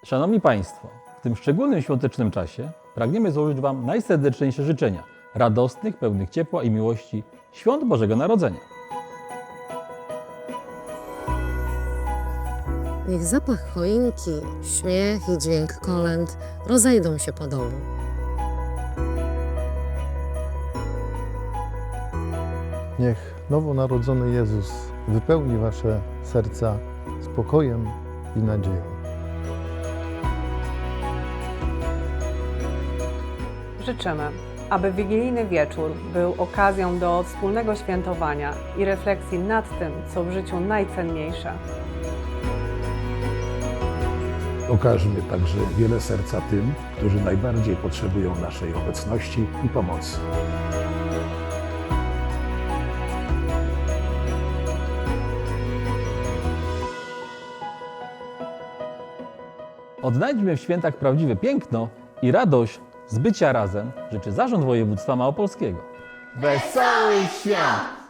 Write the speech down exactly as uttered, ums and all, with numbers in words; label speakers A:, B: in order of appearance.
A: Szanowni Państwo, w tym szczególnym świątecznym czasie pragniemy złożyć Wam najserdeczniejsze życzenia radosnych, pełnych ciepła i miłości Świąt Bożego Narodzenia.
B: Niech zapach choinki, śmiech i dźwięk kolęd rozejdą się po domu.
C: Niech nowonarodzony Jezus wypełni Wasze serca spokojem i nadzieją.
D: Życzymy, aby wigilijny wieczór był okazją do wspólnego świętowania i refleksji nad tym, co w życiu najcenniejsze.
E: Okażmy także wiele serca tym, którzy najbardziej potrzebują naszej obecności i pomocy.
A: Odnajdźmy w świętach prawdziwe piękno i radość z bycia razem, życzy Zarząd Województwa Małopolskiego.
F: Wesołych Świąt!